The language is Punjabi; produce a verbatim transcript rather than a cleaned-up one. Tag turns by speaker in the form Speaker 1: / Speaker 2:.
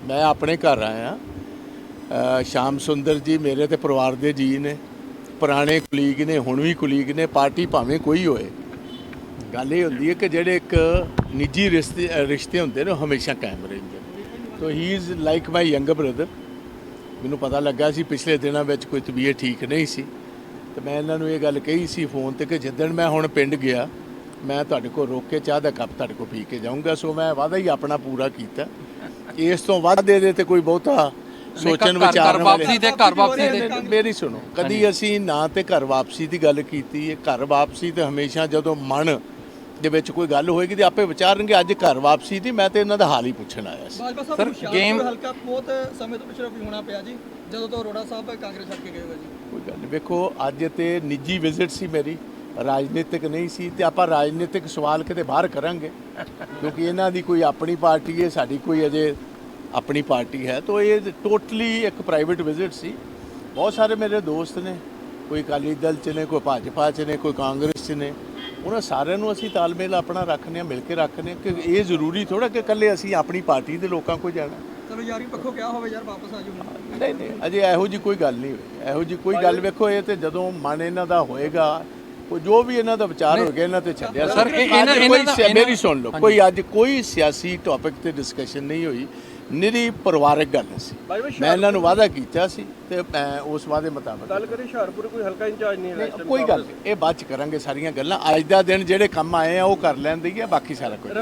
Speaker 1: मैं अपने घर आया। श्याम सुंदर जी मेरे तो परिवार के जी ने, पुराने कुलीग ने, हुण भी कुलीग ने। पार्टी भावें कोई होए, गल ये होंदी है कि जेडे एक निजी रिश्ते रिश्ते होंदे ने हमेशा कायम रहिंदे। तो he is like my younger brother. मैनूं पता लगा सी पिछले दिनों में कोई तबीयत ठीक नहीं सी, तो मैं इन्होंने ये गल कही सी फोन ते कि जिद्दण मैं हुण पिंड गया मैं तुहाडे कोल रोक के चाह दा कप तुहाडे कोल पी के जाऊँगा। सो मैं वादा ही अपना पूरा कीता। इस तो वध ਇਹਦੇ ਤੇ ਕੋਈ ਬਹੁਤਾ ਸੋਚਣ ਵਿਚਾਰਨ
Speaker 2: ਵਾਪਸੀ ਤੇ ਘਰ ਵਾਪਸੀ ਤੇ
Speaker 1: ਮੇਰੀ ਸੁਣੋ, ਕਦੀ ਅਸੀਂ ਨਾ ਤੇ ਘਰ ਵਾਪਸੀ ਦੀ ਗੱਲ ਕੀਤੀ ਹੈ। ਘਰ ਵਾਪਸੀ ਤੇ ਹਮੇਸ਼ਾ ਜਦੋਂ ਮਨ ਦੇ ਵਿੱਚ ਕੋਈ ਗੱਲ ਹੋਏਗੀ ਤੇ ਆਪੇ ਵਿਚਾਰਨਗੇ। ਅੱਜ ਘਰ ਵਾਪਸੀ ਦੀ ਮੈਂ ਤੇ ਇਹਨਾਂ ਦਾ ਹਾਲ ਹੀ ਪੁੱਛਣ ਆਇਆ ਸੀ।
Speaker 3: ਸਰ ਗੇਮ ਹਲਕਾ ਬਹੁਤ ਸਮੇਂ ਤੋਂ ਪਿਛੜਾ ਵੀ ਹੋਣਾ ਪਿਆ ਜੀ, ਜਦੋਂ ਤੋਂ ਅਰੋੜਾ ਸਾਹਿਬ ਕਾਂਗਰਸ ਛੱਡ ਕੇ ਗਏ ਹੋ ਜੀ।
Speaker 1: ਕੋਈ ਗੱਲ ਨਹੀਂ, ਵੇਖੋ ਅੱਜ ਤੇ ਨਿੱਜੀ ਵਿਜ਼ਿਟ ਸੀ ਮੇਰੀ, ਰਾਜਨੀਤਿਕ ਨਹੀਂ ਸੀ। ਤੇ ਆਪਾਂ ਰਾਜਨੀਤਿਕ ਸਵਾਲ ਕਿਤੇ ਬਾਹਰ ਕਰਾਂਗੇ ਕਿਉਂਕਿ ਇਹਨਾਂ ਦੀ ਕੋਈ ਆਪਣੀ ਪਾਰਟੀ ਹੈ, ਸਾਡੀ ਕੋਈ ਅਜੇ ਆਪਣੀ ਪਾਰਟੀ ਹੈ। ਤਾਂ ਇਹ ਟੋਟਲੀ ਇੱਕ ਪ੍ਰਾਈਵੇਟ ਵਿਜ਼ਿਟ ਸੀ। ਬਹੁਤ ਸਾਰੇ ਮੇਰੇ ਦੋਸਤ ਨੇ, ਕੋਈ ਅਕਾਲੀ ਦਲ 'ਚ ਨੇ, ਕੋਈ ਭਾਜਪਾ 'ਚ ਨੇ, ਕੋਈ ਕਾਂਗਰਸ 'ਚ ਨੇ। ਉਹਨਾਂ ਸਾਰਿਆਂ ਨੂੰ ਅਸੀਂ ਤਾਲਮੇਲ ਆਪਣਾ ਰੱਖਦੇ ਹਾਂ, ਮਿਲ ਕੇ ਰੱਖਦੇ ਹਾਂ ਕਿ ਇਹ ਜ਼ਰੂਰੀ ਥੋੜ੍ਹਾ ਕਿ ਇਕੱਲੇ ਅਸੀਂ ਆਪਣੀ ਪਾਰਟੀ ਦੇ ਲੋਕਾਂ ਕੋਲ ਜਾਣਾ।
Speaker 3: ਚਲੋ ਯਾਰੀ ਪੱਖੋਂ ਕਿਹਾ ਹੋਵੇ ਯਾਰ ਵਾਪਸ ਆ ਜਾਓ।
Speaker 1: ਨਹੀਂ ਨਹੀਂ, ਅਜੇ ਇਹੋ ਜਿਹੀ ਕੋਈ ਗੱਲ ਨਹੀਂ ਹੋਈ। ਇਹੋ ਜਿਹੀ ਕੋਈ ਗੱਲ ਵੇਖੋ, ਇਹ ਤੇ ਜਦੋਂ ਮਨ ਇਹਨਾਂ ਦਾ ਹੋਏਗਾ, ਕੋਈ ਜੋ ਵੀ ਇਹਨਾਂ ਦਾ ਵਿਚਾਰ ਹੋ ਗਿਆ ਇਹਨਾਂ ਤੇ ਛੱਡਿਆ।
Speaker 2: ਸਰ
Speaker 1: ਕੋਈ ਮੇਰੀ ਸੁਣ ਲਓ, ਕੋਈ ਅੱਜ ਕੋਈ ਸਿਆਸੀ ਟੌਪਿਕ ਤੇ ਡਿਸਕਸ਼ਨ ਨਹੀਂ ਹੋਈ, ਨਿਰੀ ਪਰਿਵਾਰਕ ਗੱਲ ਸੀ। ਮੈਂ ਇਹਨਾਂ ਨੂੰ ਵਾਅਦਾ ਕੀਤਾ ਸੀ ਤੇ ਮੈਂ ਉਸ ਵਾਅਦੇ ਮੁਤਾਬਕ
Speaker 4: ਗੱਲ ਕਰੀ। ਹੁਸ਼ਿਆਰਪੁਰ ਕੋਈ ਹਲਕਾ ਇੰਚਾਰਜ ਨਹੀਂ ਹੈ,
Speaker 1: ਕੋਈ ਗੱਲ ਇਹ ਬਾਅਦ ਚ ਕਰਾਂਗੇ ਸਾਰੀਆਂ ਗੱਲਾਂ। ਅੱਜ ਦਾ ਦਿਨ ਜਿਹੜੇ ਕੰਮ ਆਏ ਆ ਉਹ ਕਰ ਲੈਂਦੇ ਹੀ ਆ, ਬਾਕੀ ਸਾਰਾ ਕੁਝ